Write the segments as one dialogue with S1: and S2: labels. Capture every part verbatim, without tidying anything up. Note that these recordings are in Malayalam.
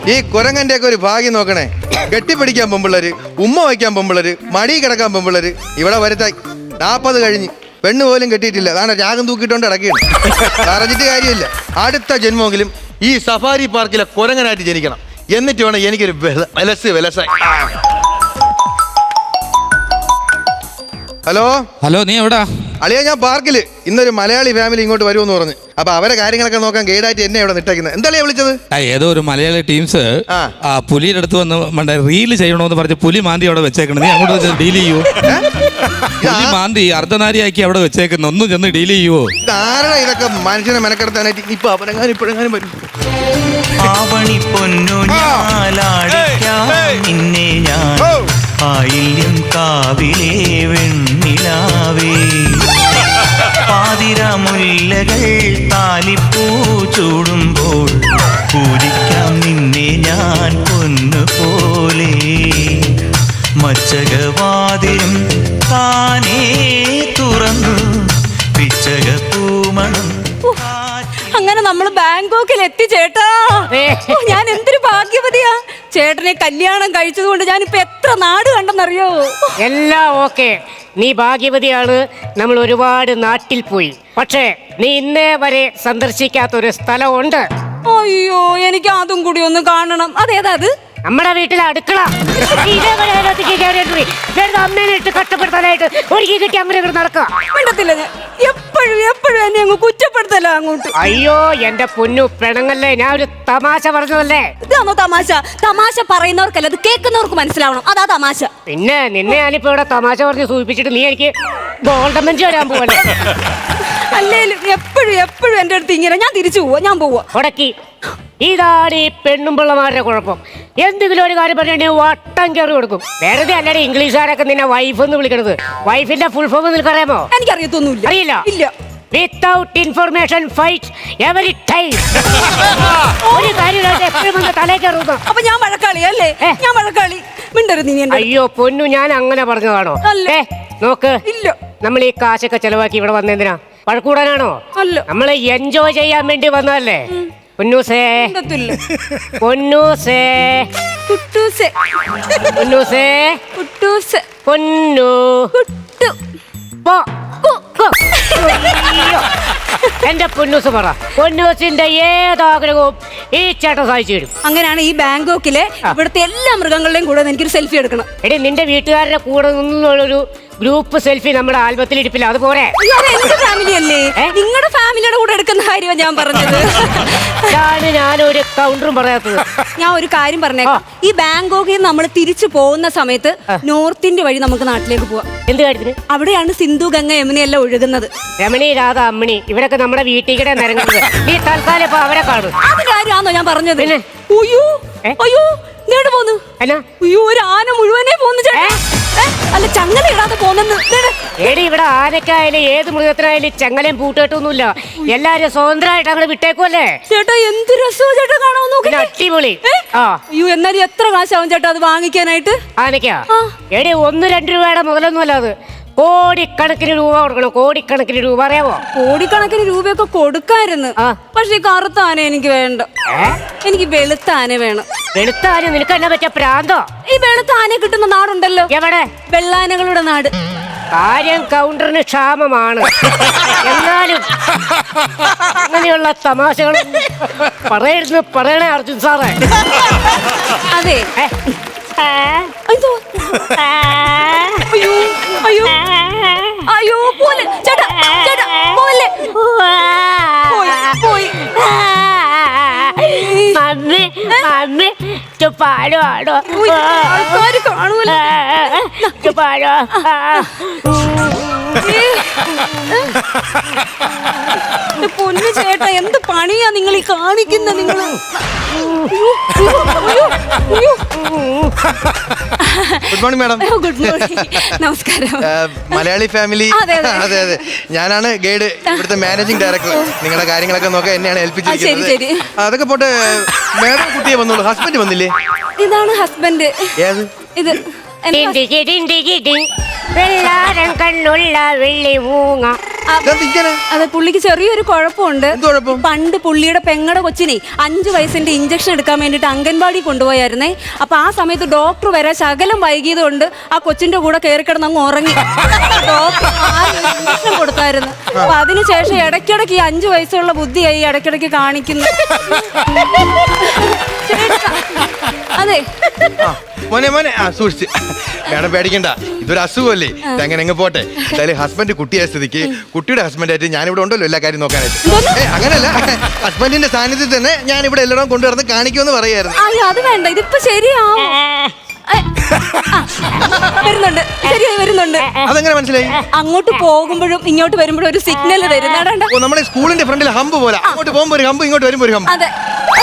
S1: ഈ കുരങ്ങന്റെ ഒക്കെ ഒരു ഭാഗ്യം നോക്കണേ. കെട്ടിപ്പിടിക്കാൻ പെമ്പിള്ളര്, ഉമ്മ വയ്ക്കാൻ പെമ്പിള്ളര്, മടി കിടക്കാൻ പെമ്പിള്ളര്. ഇവിടെ വരുത്തായി നാപ്പത് കഴിഞ്ഞ് പെണ്ണ് പോലും കെട്ടിയിട്ടില്ല. കാരണം രാഗം തൂക്കിയിട്ടോണ്ട് ഇടയ്ക്കാണ്. പറഞ്ഞിട്ട് കാര്യമില്ല. അടുത്ത ജന്മമെങ്കിലും ഈ സഫാരി പാർക്കിലെ കുരങ്ങനായിട്ട് ജനിക്കണം. എന്നിട്ട് വേണം എനിക്കൊരു വെലസ് വെലസായി. ഹലോ
S2: ഹലോ, നീ എവിടാ?
S1: അളിയാ, ഞാൻ പാർക്കില്. ഇന്നൊരു മലയാളി ഫാമിലി ഇങ്ങോട്ട് വരുമെന്ന് പറഞ്ഞു. അപ്പൊ അവരെ കാര്യങ്ങളൊക്കെ നോക്കാൻ ഗൈഡായിട്ട് എന്നെ ഇവിടെ നിട്ടേക്കുന്നത്. എന്താ വിളിച്ചത്?
S2: ഏതോ ഒരു മലയാളി ടീംസ് ആ പുലിയുടെ അടുത്ത് വന്ന് മറ്റേ റീല് ചെയ്യണമെന്ന് പറഞ്ഞ് പുലി മാന്തി അവിടെ വെച്ചേക്കണം. നീ അങ്ങോട്ട് ഡീൽ ചെയ്യുവോ? പുലി മാന്തി അർദ്ധനാരിയാക്കി അവിടെ വെച്ചേക്കുന്ന ഒന്നും ചെന്ന് ഡീൽ ചെയ്യുവോ?
S1: ആരാ ഇതൊക്കെ മനുഷ്യനെ മെനക്കെടുത്താനായിട്ട്? ഇപ്പൊ അവരെങ്ങാനും ഇപ്പോഴെങ്ങാനും വരും.
S3: ആവണി പൊന്നു നിന്നെ ഞാൻ ആയില്യം കാവിലേ വെണ്ണിലാവേ പാതിരമുല്ലകൾ താലിപ്പൂ ചൂടുമ്പോൾ പൂജിക്കാം നിന്നെ ഞാൻ പൊന്നുപോലെ മച്ചകവാതിലും താനേ തുറന്നു പിച്ചക പൂമണം.
S4: അങ്ങനെ നമ്മൾ ബാങ്കോക്കിൽ എത്തി ചേട്ടാ. ഞാൻ എന്തൊരു ഭാഗ്യവതിയാ. ചേട്ടനെ കല്യാണം കഴിച്ചത് കൊണ്ട് ഞാനിപ്പോ എത്ര നാട് കണ്ടെന്നറിയോ?
S5: എല്ലാം ഓക്കെ, നീ ഭാഗ്യവതിയാണ്. നമ്മൾ ഒരുപാട് നാട്ടിൽ പോയി. പക്ഷേ നീ ഇന്നേ വരെ സന്ദർശിക്കാത്തൊരു സ്ഥലമുണ്ട്.
S4: അയ്യോ, എനിക്ക് അതും കൂടി ഒന്ന് കാണണം. അതേതാ അത്?
S5: നമ്മുടെ വീട്ടിലെ അടുക്കള. ഇതേവരെ അമ്മേനെ ഇട്ട് കഷ്ടപ്പെടുത്താനായിട്ട് ഒരുക്കി കിട്ടി അങ്ങനെ ഇവിടെ നടക്കുക.
S4: വേണ്ടത്തില്ല, ഞാൻ എപ്പോഴും എപ്പോഴും എന്നെ അങ്ങ് കുറ്റപ്പെടുത്തല്ല അങ്ങോട്ട്.
S5: അയ്യോ എന്റെ പൊന്നു പെണങ്ങല്ലേ, ഞാൻ ഒരു തമാശ പറഞ്ഞതല്ലേ.
S4: ഇതാണോ തമാശ? തമാശ പറയുന്നവർക്കല്ല, അത് കേൾക്കുന്നവർക്ക് മനസ്സിലാവണം. അതാ തമാശ.
S5: പിന്നെ നിന്നെ ഞാനിപ്പോ ഇവിടെ തമാശ പറഞ്ഞ് സൂചിപ്പിച്ചിട്ട് നീ എനിക്ക് ഗോൾഡൻ ബെഞ്ച് വരാൻ പോവല്ലേ?
S4: അല്ലേലും എപ്പോഴും എപ്പോഴും എന്റെ അടുത്ത് ഇങ്ങനെ ഞാൻ തിരിച്ചു പോവാ, ഞാൻ പോവാ.
S5: ഉടക്കി ഇതാണ് ഈ പെണ്ണും പിള്ളമാരുടെ കുഴപ്പം. എന്തെങ്കിലും ഒരു കാര്യം പറഞ്ഞാൽ വട്ടം കയറി കൊടുക്കും. വെറുതെ അല്ലാതെ ഇംഗ്ലീഷുകാരൊക്കെ നിന്നെ വൈഫ് എന്ന് വിളിക്കണത്. വൈഫിന്റെ ഫുൾ ഫോം നിനക്കറിയാമോ?
S4: എനിക്കറിയത്തൊന്നുമില്ല.
S5: അറിയില്ല?
S4: ഇല്ല.
S5: Without information fight every time. ഒരു കാര്യം എപ്പോഴും വന്ന് തലേ കയറുന്നു.
S4: അപ്പൊ ഞാൻ വഴക്കാളി അല്ലേ? ഞാൻ വഴക്കാളി. മിണ്ടരുത് നീ.
S5: അയ്യോ പൊന്നു, ഞാൻ അങ്ങനെ പറഞ്ഞതാണോ? ഏ നോക്ക്, ഇല്ല, നമ്മൾ ഈ കാശൊക്കെ ചെലവാക്കി ഇവിടെ വന്നെന്തിനാ? വഴക്കൂടാനാണോ? അല്ല, നമ്മളെ എൻജോയ് ചെയ്യാൻ വേണ്ടി വന്നതല്ലേ. പൊന്നൂസേ പൊന്നൂസേ
S4: കുട്ടൂസേ
S5: പൊന്നൂസേ
S4: കുട്ടൂസേ
S5: പൊന്നു
S4: കുട്ടു
S5: പോ. എന്റെ പൊന്നൂസ് പറ, പൊന്നൂസിന്റെ ഏതാഗ്രഹവും ഈ ചേട്ടൻ സാധിച്ചു തരും.
S4: അങ്ങനെയാണ് ഈ ബാങ്കോക്കിലെ ഇവിടുത്തെ എല്ലാ മൃഗങ്ങളുടെയും കൂടെ എനിക്കൊരു സെൽഫി എടുക്കണം.
S5: എടി, നിന്റെ വീട്ടുകാരുടെ കൂടെ നിന്നുള്ളൊരു ഗ്രൂപ്പ് സെൽഫി നമ്മുടെ ആൽബത്തിൽ ഇരിപ്പില്ല, അതുപോലെ.
S4: എന്റെ ഫാമിലി അല്ലേ? നിങ്ങളുടെ ഫാമിലിയുടെ കൂടെ എടുക്കുന്ന കാര്യമാണ് ഞാൻ പറഞ്ഞത്.
S5: ഞാനൊരു കൗണ്ടറും പറയാത്തത്.
S4: ഞാൻ ഒരു കാര്യം പറഞ്ഞേക്കാം. ഈ ബാങ്കോക്കിൽ നിന്ന് നമ്മൾ തിരിച്ചു പോകുന്ന സമയത്ത് നോർത്ത് ഇന്ത്യ വഴി നമുക്ക് നാട്ടിലേക്ക് പോവാം.
S5: എന്ത് കാര്യത്തിന്?
S4: അവിടെയാണ് സിന്ധു, ഗംഗ, യമുനയെല്ലാം ഒഴുകുന്നത്.
S5: രമണി, രാധ, അമ്മിണി ഇവരൊക്കെ നമ്മുടെ വീട്ടിൽ കൂടെ നിരങ്ങുന്നത്. നീ തൽക്കാലം ഇപ്പൊ അവരെ കാണും.
S4: അത് കാര്യമാണോ ഞാൻ പറഞ്ഞത്? അയ്യോ അയ്യോ, നേട് പോന്നു. അയ്യോ, ഒരു ആന മുഴുവനെ പോന്നു ചേട്ടാ. അല്ല, ചങ്ങല ഇടാതെ പോന്നെന്ന്.
S5: ഏടി, ഇവിടെ ആനക്കായാലും ഏത് മൃഗത്തിനായാലും ചങ്ങലയും പൂട്ടിട്ടൊന്നുമില്ല. എല്ലാരും സ്വതന്ത്രമായിട്ട് അങ്ങനെ വിട്ടേക്കുമല്ലേ
S4: ചേട്ടാ. എന്ത് രസവും ചേട്ടാ കാണാൻ നോക്കി.
S5: അടിപൊളി.
S4: അയ്യോ, എന്നാലും എത്ര കാശാവും ചേട്ടാ അത് വാങ്ങിക്കാനായിട്ട്?
S5: ആനക്കാ ഏടി ഒന്ന് രണ്ട് രൂപയുടെ മുതലൊന്നും അല്ല അത്. കോടിക്കണക്കിന് രൂപ കൊടുക്കണം, കോടിക്കണക്കിന് രൂപ. അറിയാമോ?
S4: കോടിക്കണക്കിന് രൂപയൊക്കെ കൊടുക്കായിരുന്നു. പക്ഷെ ഈ കറുത്ത ആന എനിക്ക് വേണ്ട. എനിക്ക് വെളുത്ത ആന വേണം.
S5: വെളുത്ത ആന? നിനക്ക് എന്നാ പറ്റിയ പ്രാന്തോ?
S4: ഈ വെളുത്ത ആന കിട്ടുന്ന നാടുണ്ടല്ലോ.
S5: എവിടെ?
S4: വെള്ളാനകളുടെ നാട്.
S5: കാര്യം കൗണ്ടറിന് ക്ഷാമമാണ്. എന്നാലും അങ്ങനെയുള്ള തമാശകൾ പറയരുന്ന് പറയണേ അർജുൻ സാറേ.
S4: അതെ. അയ്യോ അയ്യോ അയ്യോ, പോലെ ചേട്ടാ, ചേട്ടാ പോലെ പോയി.
S5: മമ്മി മമ്മി പാലോ ആടോ
S4: ആൾക്കാര് കാണൂല.
S5: പാലോ.
S4: പൊന്നു ചേട്ടാ, എന്ത് പണിയാ നിങ്ങൾ ഈ കാണിക്കുന്ന? നിങ്ങള്
S1: good morning madam.
S4: Good morning. നമസ്കാരം.
S1: മലയാളി ഫാമിലി. അതെ അതെ, ഞാനാണ് ഗൈഡ്, ഇവിടുത്തെ മാനേജിംഗ് ഡയറക്ടർ. നിങ്ങളുടെ കാര്യങ്ങളൊക്കെ നോക്കാൻ എന്നെയാണ് ഏൽപ്പിച്ചിരിക്കുന്നത്. അതൊക്കെ പോട്ടെ, മാഡം കുട്ടിയെ വന്നോളൂ. ഹസ്ബൻഡ് വന്നില്ലേ?
S4: ഇതാണ് ഹസ്ബൻഡ്.
S1: ഏത്?
S4: ഇത്
S5: വെള്ളാരം കണ്ണുള്ള വെള്ളി മൂങ്ങ
S1: ഇതെന്ത് ഇങ്ങനെ?
S4: അതെ, പുള്ളിക്ക് ചെറിയൊരു കുഴപ്പമുണ്ട്.
S1: എന്ത് കുഴപ്പം?
S4: പണ്ട് പുള്ളിയുടെ പെങ്ങടെ കൊച്ചിനെ അഞ്ചു വയസ്സിന്റെ ഇഞ്ചക്ഷൻ എടുക്കാൻ വേണ്ടിട്ട് അംഗൻവാടി കൊണ്ടുപോയായിരുന്നേ. അപ്പൊ ആ സമയത്ത് ഡോക്ടർ വരെ ശകലം വൈകിയത് കൊണ്ട് ആ കൊച്ചിന്റെ കൂടെ കയറി കിടന്ന് അങ്ങ് ഉറങ്ങി. ഡോക്ടർ ഇഞ്ചക്ഷൻ കൊടുത്തായിരുന്നു. അപ്പൊ അതിനുശേഷം ഇടയ്ക്കിടയ്ക്ക് ഈ അഞ്ചു വയസ്സുള്ള ബുദ്ധിയായി ഇടയ്ക്കിടയ്ക്ക് കാണിക്കുന്നു. അതെ
S1: മോനെ മോനെ ആ സൂക്ഷിച്ച് മേഡം പേടിക്കണ്ട, ഇതൊരു അസുഖമല്ലേ, ഇതങ്ങനെ അങ്ങ് പോട്ടെ. എന്തായാലും ഹസ്ബൻഡ് കുട്ടിയായ സ്ഥിതിക്ക് കുട്ടിയുടെ ഹസ്ബൻഡായിട്ട് ഞാനിവിടെ ഉണ്ടല്ലോ എല്ലാ കാര്യം നോക്കാനായിട്ട്. ഏ അങ്ങനല്ല, ഹസ്ബൻഡിന്റെ സാന്നിധ്യത്തിൽ തന്നെ ഞാൻ ഇവിടെ എല്ലായിടവും കൊണ്ടുവന്ന് കാണിക്കുമെന്ന് പറയായിരുന്നു.
S4: അയ്യോ അത് വേണ്ട, ഇതിപ്പോ ശരിയാവും. ഏ, ആ, വരുന്നുണ്ട്, ശരിയായി വരുന്നുണ്ട്.
S1: അതെങ്ങനെ മനസ്സിലായി?
S4: അങ്ങോട്ട് പോകുമ്പോഴും ഇങ്ങോട്ട് വരുമ്പോഴും ഒരു സിഗ്നൽ തരുന്നതാണ്ട.
S1: ഓ നമ്മുടെ സ്കൂളിന്റെ ഫ്രണ്ടിൽ ഹമ്പ് പോലെ, അങ്ങോട്ട് പോകുമ്പോ ഒരു ഹമ്പ്, ഇങ്ങോട്ട് വരുമ്പോ ഒരു ഹമ്പ്.
S4: അതെ,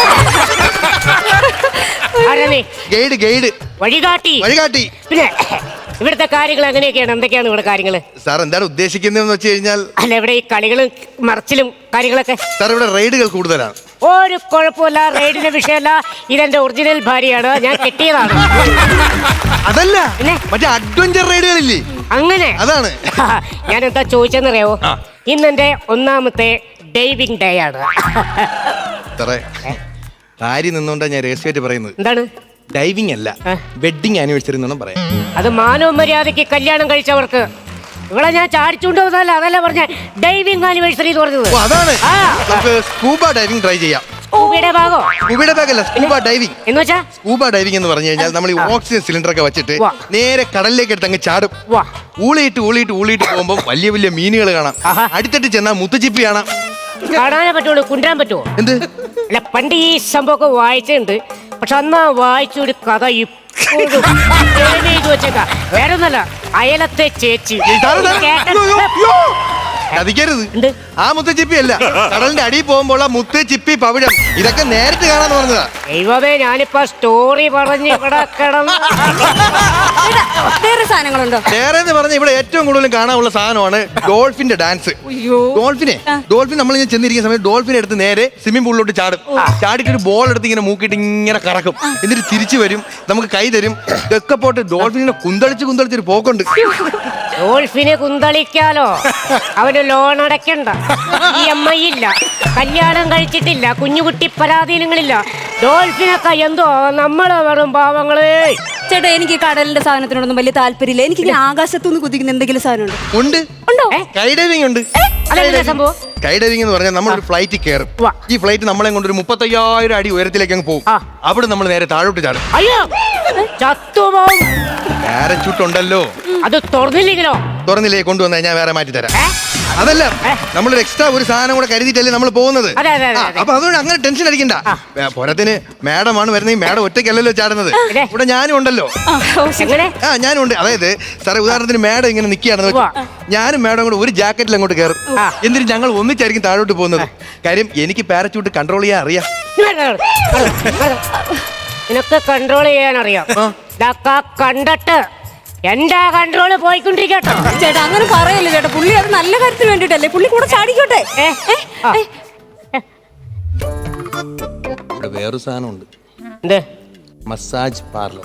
S5: ആരാ നീ?
S1: ഗൈഡ് ഗൈഡ്
S5: വഴികാട്ടി.
S1: വഴികാട്ടി.
S5: പിന്നെ ഇവിടുത്തെ കാര്യങ്ങൾ എങ്ങനെയൊക്കെയാണ്? എന്തൊക്കെയാണ് ഇവിടെ കാര്യങ്ങള്?
S1: സാർ എന്താണ് ഉദ്ദേശിക്കുന്നതെന്ന് വെച്ച് കഴിഞ്ഞാൽ,
S5: അല്ല ഇവിടെ ഈ കളികളും മറിച്ചിലും കാര്യങ്ങളൊക്കെ.
S1: സാർ ഇവിടെ റൈഡുകൾ കൂടുതലാണ്.
S5: ഒരു കുഴപ്പമില്ല, റെയ്ഡിന്റെ വിഷയമല്ല. ഇതെന്റെ ഒറിജിനൽ ഭാര്യയാണ്, ഞാൻ കെട്ടിയതാണ്.
S1: അതല്ല,
S5: പിന്നെ?
S1: മറ്റേ അഡ്വഞ്ചർ റൈഡുകളില്ലേ,
S5: അങ്ങനെ
S1: അതാണ്.
S5: ഞാൻ എന്താ ചോദിച്ചെന്നറിയാവോ? ഇന്നെന്റെ ഒന്നാമത്തെ ഡൈവിംഗ് ഡേ ആണ്.
S1: സാറേ കാര്യം നിന്നുകൊണ്ടാ ഞാൻ രഹസ്യമായിട്ട് പറയുന്നത്.
S5: എന്താണ്?
S1: ഡൈവിംഗ് അല്ല, വെഡിങ് ആനിവേഴ്സറി എന്നാണ് പറയാം.
S5: അത് മാനവ മര്യാദയ്ക്ക് കല്യാണം കഴിച്ചവർക്ക്. ഇവിടെ ഞാൻ ചാടിച്ചുകൊണ്ട് വന്നതല്ല, അതല്ല പറഞ്ഞ ഡൈവിംഗ് ആനിവേഴ്സറി എന്ന് പറഞ്ഞത്.
S1: ഓ അതാണ്.
S5: ആ.
S1: നമുക്ക് സ്കൂബ ഡൈവിംഗ് ട്രൈ ചെയ്യാം.
S5: സ്കൂബയുടെ ഭാഗോ?
S1: സ്കൂബയുടെ ബാഗല്ല, സ്കൂബ ഡൈവിംഗ്.
S5: എന്ന് വെച്ചാ
S1: സ്കൂബ ഡൈവിംഗ് എന്ന് പറഞ്ഞു കഴിഞ്ഞാൽ നമ്മൾ ഈ ഓക്സിജൻ സിലിണ്ടർ ഒക്കെ വെച്ചിട്ട്
S5: വാ.
S1: നേരെ കടലിലേക്ക് എടുത്ത് അങ്ങ് ചാടും.
S5: വാ.
S1: ഊളിയിട്ട് ഊളിയിട്ട് ഊളിയിട്ട് പോകുമ്പോൾ വലിയ വലിയ മീനുകൾ കാണാം.
S5: ആഹാ.
S1: അടുത്തിട്ട് ചെന്നാൽ മുത്തുച്ചിപ്പി കാണാം.
S5: കാണാനേ പറ്റുള്ളൂ, കുണ്ടാൻ പറ്റുമോ?
S1: എന്ത്?
S5: അല്ല പണ്ട് ഈ സംഭവമൊക്കെ വായിച്ചിട്ടുണ്ട്, പക്ഷെ അന്ന് വായിച്ചൊരു കഥ ഇപ്പോഴും save ചെയ്ത് വെച്ചേക്കാ. വേറെ ഒന്നല്ല, അയലത്തെ ചേച്ചി.
S1: സാറ് സാറ്
S5: കേട്ട-
S1: അയ്യോ, അയ്യോ, അയ്യോ. ചതിക്കരുത്.
S5: എന്ത്?
S1: ആ മുത്തുച്ചിപ്പി അല്ല, കടലിന്റെ അടിയിൽ പോകുമ്പോൾ മുത്ത് ചിപ്പി പവിഴം ഇതൊക്കെ നേരിട്ട് കാണാന്ന് പറഞ്ഞതാ.
S5: ദൈവമേ, ഞാനിപ്പോ സ്റ്റോറി പറഞ്ഞ് ഇവിടെ കിടന്ന്
S4: വേറെ സാധനങ്ങളുണ്ടോ?
S1: വേറെ എന്ന് പറഞ്ഞ ഇവിടെ ഏറ്റവും കൂടുതൽ കാണാനുള്ള സാധനമാണ് ഡോൾഫിന്റെ ഡാൻസ്. ഡോൾഫിനെ ഡോൾഫിൻ നമ്മൾ ഇങ്ങനെ ചെന്നിരിക്കുന്ന സമയത്ത് ഡോൾഫിനെ എടുത്ത് നേരെ സ്വിമ്മിംഗ് പൂളിലോട്ട് ചാടും. ചാടിയിട്ട് ഒരു ബോൾ എടുത്ത് ഇങ്ങനെ മൂക്കിയിട്ട് ഇങ്ങനെ കറക്കും. എന്നിട്ട് തിരിച്ചു വരും, നമുക്ക് കൈ തരും. ഇതൊക്കെ പോട്ട് ഡോൾഫിനെ കുന്തളിച്ച് കുന്തളിച്ചൊരു പോക്കുണ്ട്.
S5: ഡോൾഫിനെ കുന്തളിക്കാലോ, അവന് ലോൺ അടയ്ക്കണ്ട, ഇ എം ഐ ഇല്ല, കല്യാണം കഴിച്ചിട്ടില്ല, കുഞ്ഞുകുട്ടി പരാധീനങ്ങളില്ല. ഡോൾഫിനൊക്കെ എന്തോ നമ്മള് വെറും പാവങ്ങളേ.
S4: ചേട്ടാ എനിക്ക് കടലിന്റെ സാധനത്തിനോടൊന്നും വലിയ താല്പര്യമില്ല. എനിക്ക് ഇങ്ങനെ ആകാശത്തുനിന്ന് കുതിക്കുന്ന എന്തെങ്കിലും സാധനം
S1: ഉണ്ട്.
S4: ഉണ്ടോ?
S1: സ്കൈ ഡൈവിംഗ് ഉണ്ട്.
S5: അതെന്താ സംഭവം?
S1: സ്കൈ ഡൈവിംഗ് എന്ന് പറഞ്ഞാൽ നമ്മൾ ഒരു ഫ്ലൈറ്റ് കയറും.
S5: വാ.
S1: ഈ ഫ്ലൈറ്റ് നമ്മളെ കൊണ്ട് ഒരു മുപ്പത്തയ്യായിരം അടി ഉയരത്തിലേക്ക് അങ്ങ് പോകും.
S5: ആ.
S1: അവിടെ നമ്മൾ നേരെ താഴോട്ട് ചാടും.
S5: അയ്യോ, ചത്തുപോകും.
S1: പാരച്യൂട്ട് ഉണ്ടല്ലോ,
S5: അത് തുറന്നില്ലെങ്കിലോ?
S1: തുറന്നില്ലേ കൊണ്ടുവന്നാൽ ഞാൻ വേറെ മാറ്റി തരാം.
S5: ഏ?
S1: അതല്ല, നമ്മളൊരു എക്സ്ട്രാ ഒരു സാധനം കൂടെ കരുതിയിട്ടല്ലേ നമ്മൾ പോകുന്നത്.
S5: അതെ, അതെ, അതെ,
S1: ആ,
S5: അതെ.
S1: അപ്പൊ അതുകൊണ്ട് അങ്ങനെ ടെൻഷൻ അടിക്കണ്ട. പോരത്തിന് മാഡമാണ് വരുന്നത്, ഈ മാഡം ഒറ്റയ്ക്കല്ലല്ലോ ചാടുന്നത്,
S5: ഇല്ലേ?
S1: ഇവിടെ ഞാനും ഉണ്ടല്ലോ.
S5: എങ്ങനെ?
S1: ആ ഞാനും ഉണ്ട്. അതായത് സാറേ ഉദാഹരണത്തിന് മാഡം ഇങ്ങനെ നിൽക്കുകയാണെന്ന് വെച്ചോ, ഞാനും മാഡം കൂടെ ഒരു ജാക്കറ്റിൽ അങ്ങോട്ട് കയറും.
S5: ആ.
S1: എന്നിട്ട് ഞങ്ങൾ ഒന്നിച്ചായിരിക്കും താഴോട്ട് പോകുന്നത്. കാര്യം എനിക്ക് പാരച്യൂട്ട് കൺട്രോൾ ചെയ്യാൻ അറിയാം.
S5: നിനക്ക് കൺട്രോൾ ചെയ്യാൻ അറിയാം. ഇതൊക്കെ കണ്ടിട്ട് എന്റെ കൺട്രോള് പോയിക്കൊണ്ടിരിക്കട്ടോ.
S4: ചേട്ടാ അങ്ങനെ പറയല്ലേ ചേട്ടാ, പുള്ളി അത് നല്ല കാര്യത്തിന് വേണ്ടിട്ടല്ലേ, പുള്ളി കൂടെ ചാടിക്കോട്ടെ.
S5: ഏ? ആ.
S1: ഇവിടെ വേറൊരു സാധനമുണ്ട്,
S5: എന്ത്?
S1: Massage parlour.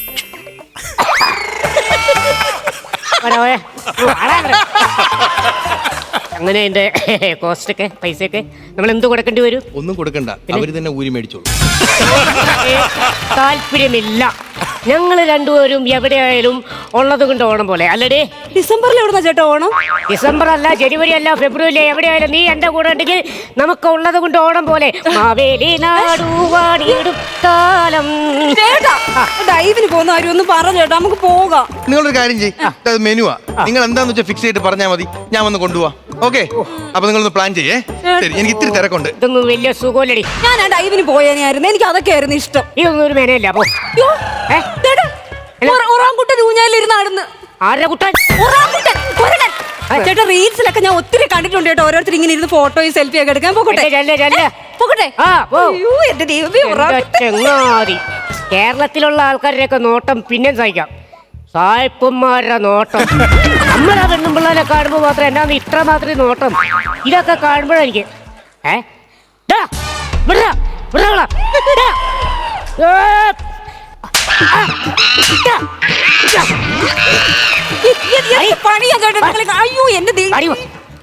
S5: വരാ, വരാ. വാടാ ഇവിടെ. അങ്ങനെ എന്റെ കോസ്റ്റ് ഒക്കെ പൈസയൊക്കെ നമ്മൾ എന്ത് കൊടുക്കേണ്ടി വരും?
S1: ഒന്നും കൊടുക്കണ്ട, അവര് തന്നെ ഊരി മേടിച്ചോളൂ.
S5: ഏ, താല്പര്യമില്ല. ഞങ്ങൾ രണ്ടുപേരും എവിടെയായാലും ഉള്ളത് കൊണ്ട് ഓണം പോലെ അല്ലടേ.
S4: ഡിസംബറിൽ എവിടുന്ന ചേട്ടാ ഓണം?
S5: ഡിസംബർ അല്ല, ജനുവരി അല്ല, ഫെബ്രുവരി എവിടെയായാലും നീ എന്റെ കൂടെ ഉണ്ടെങ്കിൽ നമുക്ക് ഉള്ളത് കൊണ്ട് ഓണം പോലെ. മാവേലി നാടുവാടിയിടും കാലം.
S4: ചേട്ടാ ഡൈവിന് പോകുന്ന കാര്യം ഒന്ന് പറ ചേട്ടാ, നമുക്ക് പോകാം.
S1: നിങ്ങളൊരു കാര്യം ചെയ്യ്, മെനുവാ, നിങ്ങൾ എന്താന്ന് വെച്ചാൽ ഫിക്സ് ചെയ്തിട്ട് പറഞ്ഞാൽ മതി, ഞാൻ വന്ന് കൊണ്ടുപോവാ. ഓക്കെ, അപ്പൊ നിങ്ങളൊന്ന് പ്ലാൻ ചെയ്യേ. ശരി, എനിക്ക് ഇത്തിരി തിരക്കുണ്ട്.
S5: ഇതൊന്നും വലിയ സുഖമല്ലടി.
S4: ഞാൻ ആ ഡൈവിന് പോയാനായിരുന്നു, എനിക്ക് അതൊക്കെ ആയിരുന്നു ഇഷ്ടം.
S5: ഇതൊന്നും ഒരു മേനയില്ല. പോ.
S4: യ്യോ, ചേട്ടാ, ഒറ- ഒറാങ്കുട്ടൻ ഊഞ്ഞാലിരുന്ന് നടന്ന്.
S5: ആരുടെ കുട്ടൻ?
S4: ഒറാങ്കുട്ടൻ, കുരങ്ങൻ. ചേട്ടാ റീൽസിലൊക്കെ ഞാൻ ഒത്തിരി കണ്ടിട്ടുണ്ട് കേട്ടോ, ഓരോരുത്തർ ഇങ്ങനെ ഇരുന്ന് ഫോട്ടോയും സെൽഫി ഒക്കെ എടുക്കാൻ. പോകട്ടെ
S5: ചെല്ല്, ചെല്ല്.
S4: പോകട്ടെ.
S5: ആ, പോ.
S4: അയ്യോ എന്റെ ദൈവമേ,
S5: എന്റെ
S4: ഒറാങ്കുട്ടൻ.
S5: ചെങ്ങാതി, കേരളത്തിലുള്ള ആൾക്കാരുടെയൊക്കെ നോട്ടം പിന്നെ സഹിക്കാം, സായിപ്പന്മാരുടെ നോട്ടം. നമ്മളെ പെണ്ണും പിള്ളേരെ കാണുമ്പോൾ മാത്രം എന്നാന്ന് ഇത്ര മാത്രമേ നോട്ടം. ഇതൊക്കെ കാണുമ്പോഴെനിക്ക് ഏ ഡാ, വിടടാ, വിടടാ. ഡാ. ഏ. ആ. ഡാ. ഡാ.
S4: എ- എ- എന്ത് പണിയാ ചേട്ടാ നിങ്ങള് കാ- അയ്യോ എന്റെ ദൈവം.
S5: അടി വാ.
S4: ഏ?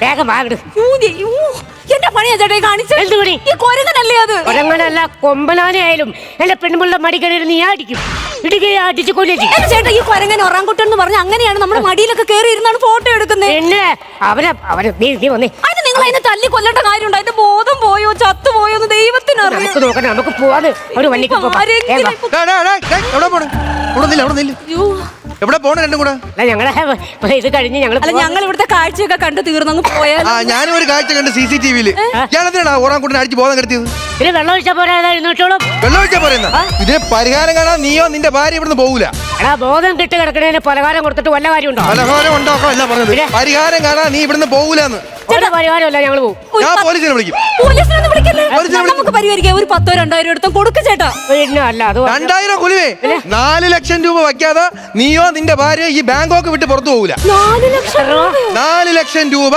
S5: വേഗം വാങ്ങട്.
S4: ഊതി, ഊ, എന്റെ പണിയാ ചേട്ടാ ഈ കാണിച്ചത്.
S5: എന്ത് പണി?
S4: ഈ കൊരങ്ങനല്ലേ അത്?
S5: ഒരങ്ങനല്ല കൊമ്പനാനായാലും എന്റെ പെണ്ണുമുള്ള മടി കയറി നീ അടിക്കും, ഇടുകയെ അടിച്ചു കൊല്ലും ചെയ്യും.
S4: എന്റെ ചേട്ടാ ഈ കൊരങ്ങൻ ഒറാങ്കുട്ടൻ എന്ന് പറഞ്ഞ അങ്ങനെയാണ് നമ്മുടെ മടിയിലൊക്കെ കയറി ഇരുന്നാണ് ഫോട്ടോ എടുക്കുന്നത്.
S5: പിന്നെ അവനെ അവനെ നീ നീ വന്നേ.
S4: അതിന് നിങ്ങൾ അതിനെ തല്ലി കൊല്ലേണ്ട കാര്യമുണ്ടോ? അതിന്റെ ബോധം പോയോ ചത്തുപോയോ എന്ന് ദൈവത്തിനറിയാം.
S5: നമുക്ക് നോക്കണം, നമുക്ക് പോവാന്ന് ഒരു വണ്ടിക്ക് പോവാം.
S4: ആരെങ്കിലും
S5: വേഗം വാ.
S4: ഇപ്പൊ-
S1: ഡാ, ഡാ, ഡാ, ഡാ, എവിടെ പോണ്? അവിടെ നില്ല, അവിടെ നില്ല.
S4: അയ്യോ.
S1: എവിടെ പോണ രണ്ടും കൂടെ?
S5: അല്ല ഞങ്ങളെ ഇത് കഴിഞ്ഞ് ഞങ്ങൾ
S4: അല്ല ഞങ്ങൾ ഇവിടുത്തെ കാഴ്ചയൊക്കെ കണ്ടു തീർന്നങ്ങ് പോയാൽ.
S1: ആ ഞാനും ഒരു കാഴ്ച കണ്ട് സി സി ടി വിയില്. ഞാനെന്തിനാ ഓറാൻകുട്ടിനെ അടിച്ച് ബോധം കെടുത്തിയത്?
S5: പിന്നെ വെള്ളം ഒഴിച്ചാൽ പോരാതായിരുന്നു കേട്ടോളും.
S1: വെള്ളം ഒഴിച്ചാ പോരെന്നാ? ഇതിന് പരിഹാരം കാണാൻ നീയോ നിന്റെ ഭാര്യ ഇവിടുന്ന് പോകൂല.
S5: എടാ ബോധം കിട്ടി കിടക്കണേന് പലഹാരം കൊടുത്തിട്ട് വല്ല കാര്യമുണ്ടോ?
S1: പലഹാരം ഉണ്ടാക്കാം അല്ല പറഞ്ഞത്. പരിഹാരം കാണാൻ നീ ഇവിടുന്ന് പോകൂലെന്ന്.
S5: ഒരു പരിഹാരമല്ല ഞങ്ങൾ പോകും.
S4: ഒരു
S1: ഞാൻ
S4: പ-
S1: പോലീസിനെ വിളിക്കും.
S4: പോലീസിനൊന്നും വിളിക്കല്ലേ?
S1: പോലീസിനെ വിളിക്കും.
S4: നമുക്ക് പരിഹരിക്കാം. ഒരു പത്തോ രണ്ടായിരം എടുത്തും കൊടുക്ക് ചേട്ടാ.
S5: പിന്നെ അല്ല അത്
S1: രണ്ടായിരം കുലുവേ നാല് ലക്ഷം രൂപ വയ്ക്കാതെ നീയോ നിന്റെ ഭാര്യ ഈ ബാങ്കോക്ക് വിട്ട് പുറത്തു പോകൂല.
S4: നാല് ലക്ഷം രൂപയോ?
S1: നാല് ലക്ഷം രൂപ.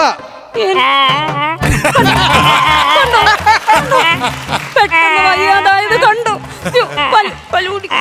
S4: കണ്ടോ? കണ്ടോ? പെട്ടെന്ന് വയ്യാതായത് കണ്ടു. യ്യോ, പല്ല്, പല്ല് കുടിക്കും.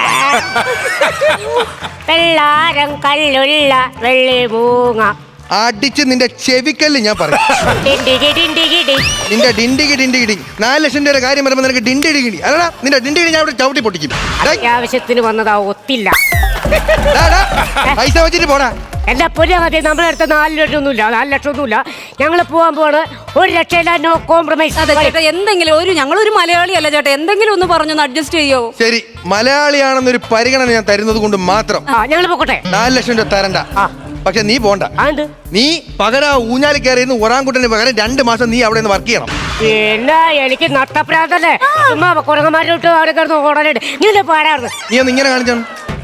S5: വെള്ളാരം കല്ലുള്ള വെള്ളി മൂങ്ങ
S1: അടിച്ച് നിന്റെ ചെവിക്കല്ല് ഞാൻ പറയും.
S5: ഡിണ്ടിഗി ഡിണ്ടിഗി ഡി.
S1: നിന്റെ ഡിണ്ടിഗി ഡിണ്ടിഗിടി നാല് ലക്ഷം രൂപയുടെ കാര്യം പറയുമ്പോൾ നിനക്ക് ഡിണ്ടിടികിടി അല്ലടാ. നിന്റെ ഡിണ്ടിഗിടി ഞാൻ ഇവിടെ ചവിട്ടി പൊട്ടിക്കും. ഡേയ്,
S5: അത്യാവശ്യത്തിന് വന്നതാ ഒത്തില്ല.
S1: ഡാ, ഡാ, പൈസ വെച്ചിട്ട് പോടാ.
S5: എന്റെ പുതിയ കഥ നമ്മുടെ അടുത്ത് നാല് ലക്ഷം ഒന്നുമില്ല, നാല് ലക്ഷം ഒന്നുമില്ല. ഞങ്ങൾ പോകാൻ പോവാണ്. ഒരു ലക്ഷമില്ല, നോ കോംപ്രമൈസ്.
S4: അതെ ചേട്ടാ, എന്തെങ്കിലും ഒരു ഞങ്ങളൊരു മലയാളിയല്ല ചേട്ടാ, എന്തെങ്കിലും ഒന്ന് പറഞ്ഞൊന്ന് അഡ്ജസ്റ്റ് ചെയ്യോ?
S1: ശരി, മലയാളിയാണെന്നൊരു പരിഗണന ഞാൻ തരുന്നത് കൊണ്ട് മാത്രം
S5: ആ ഞങ്ങൾ പോകട്ടെ.
S1: നാല് ലക്ഷം രൂപ തരണ്ട.
S5: ആ.
S1: പക്ഷെ നീ പോണ്ട.
S5: അത്
S1: നീ പകരം ആ ഊഞ്ഞാലി കയറിയെന്ന് ഒറാൻകുട്ടന് പകരം രണ്ട് മാസം നീ അവിടെ നിന്ന് വർക്ക് ചെയ്യണം.
S5: പിന്നെ എനിക്ക് നട്ടപ്രാന്തല്ലേ, ചുമ്മാ കുരങ്ങന്മാരോട്ട് അവിടെ കിടന്ന് ഓടാനായിട്ട്. നീ പാടായിരുന്നു.
S1: നീ ഒന്ന് ഇങ്ങനെ കാണിച്ചാണ്,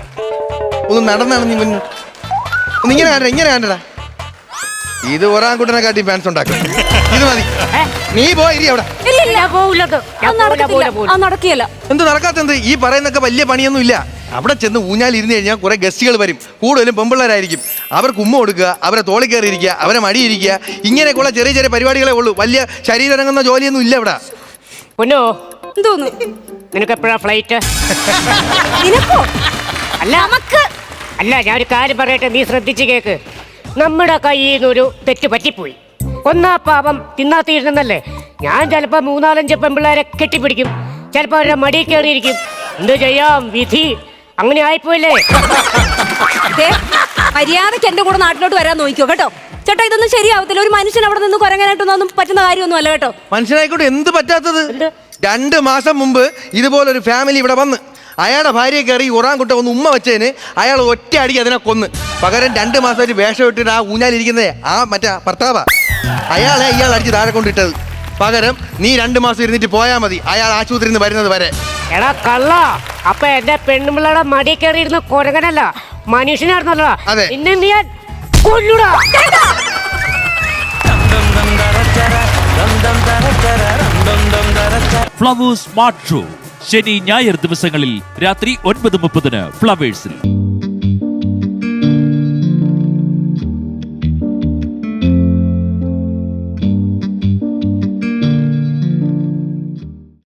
S1: ഒന്ന് നടന്നാണ് നീ മുന്നേ ഒന്ന് ഇങ്ങനെ കാണണ്ട, ഇങ്ങനെ കാണണ്ടടാ. ഇത് ഒറാൻകുട്ടനെ കാട്ടി ഫാൻസ് ഉണ്ടാക്കും. ഇത് മതി, നീ പോയി അവിടെ.
S4: ഇല്ല ഇല്ല,
S5: ഞാൻ പോവില്ലത്.
S4: അത് നടക്കത്തില്ല. അത് നടക്കില്ല.
S1: എന്ത് നടക്കാത്തെന്ത്? ഈ പറയുന്നൊക്കെ വലിയ പണിയൊന്നും ഇല്ല. അവിടെ ചെന്ന് ഊഞ്ഞാൽ ഇരുന്ന് കഴിഞ്ഞാൽ കുറെ ഗസ്റ്റുകൾ വരും, കൂടുതലും പെമ്പിള്ളേരായിരിക്കും. അവർക്ക് ഉമ്മ കൊടുക്കുക, അവരെ തോളി കയറി ഇരിക്കുക, അവരെ മടിയിരിക്കുക, ഇങ്ങനെയൊക്കെയുള്ള ചെറിയ ചെറിയ പരിപാടികളെ ഉള്ളൂ. വലിയ ശരീരരങ്ങുന്ന ജോലിയൊന്നും ഇല്ല ഇവിടെ.
S5: പൊന്നോ
S4: എന്തോന്നു?
S5: നിനക്ക് എപ്പോഴാ ഫ്ലൈറ്റ്?
S4: നിനക്കോ?
S5: അല്ല
S4: നമുക്ക്
S5: അല്ല ഞാൻ ഒരു കാര്യം പറയട്ടെ, നീ ശ്രദ്ധിച്ച് കേക്ക്. നമ്മുടെ കയ്യിൽ നിന്നൊരു തെറ്റ് പറ്റിപ്പോയി. ഒന്നാ പാപം തിന്നാ തീരുന്നല്ലേ. ഞാൻ ചിലപ്പോ മൂന്നാലഞ്ച് പെമ്പിള്ളേരെ കെട്ടിപ്പിടിക്കും, ചിലപ്പോ അവരുടെ മടി കയറിയിരിക്കും. എന്ത് ചെയ്യാം, വിധി അങ്ങനെ ആയിപ്പോയില്ലേ.
S4: ദേ, മര്യാദക്ക് എന്റെ കൂടെ നാട്ടിലോട്ട് വരാൻ നോക്കിയോ കേട്ടോ ചേട്ടാ. ഇതൊന്നും ശരിയാവത്തില്ല. ഒരു മനുഷ്യൻ അവിടെ നിന്ന് കുരങ്ങനായിട്ടൊന്നും പറ്റുന്ന കാര്യമൊന്നും അല്ല കേട്ടോ.
S1: മനസ്സിലായിക്കോട്ടെ, എന്ത് പറ്റാത്തത്? രണ്ട് മാസം മുമ്പ് ഇതുപോലൊരു ഫാമിലി ഇവിടെ വന്ന് അയാളുടെ ഭാര്യയെ കയറി ഒറാൻകുട്ട ഒന്ന് ഉമ്മ വെച്ചതിന് അയാൾ ഒറ്റ അടിക്ക് അതിനെ കൊന്ന്. പകരം രണ്ട് മാസമായിട്ട് വേഷം ഇട്ടിട്ട് ആ ഊഞ്ഞാലിരിക്കുന്നതേ ആ മറ്റേ ഭർത്താവാ. അയാളെ ഇയാൾ അടിച്ച് താഴെ കൊണ്ടിട്ടത്. പകരം നീ രണ്ട് മാസം ഇരുന്നിട്ട് പോയാൽ മതി, അയാൾ ആശുപത്രിയിൽ നിന്ന് വരുന്നത് വരെ.
S5: എടാ കള്ള, അപ്പൊ എന്റെ പെണ്ണുമ്പിള്ളയുടെ മടി കയറിയിരുന്ന കുരങ്ങനല്ല, മനുഷ്യനായിരുന്നല്ലോ.
S1: അതെ.
S5: പിന്നെ നീ ഞാൻ കൊല്ലൂടാ.
S6: ഫ്ലവേഴ്സ് സ്മാർട്ട് ഷോ ശനി ഞായർ ദിവസങ്ങളിൽ രാത്രി ഒൻപത് മുപ്പതിന് ഫ്ലവേഴ്സിൽ.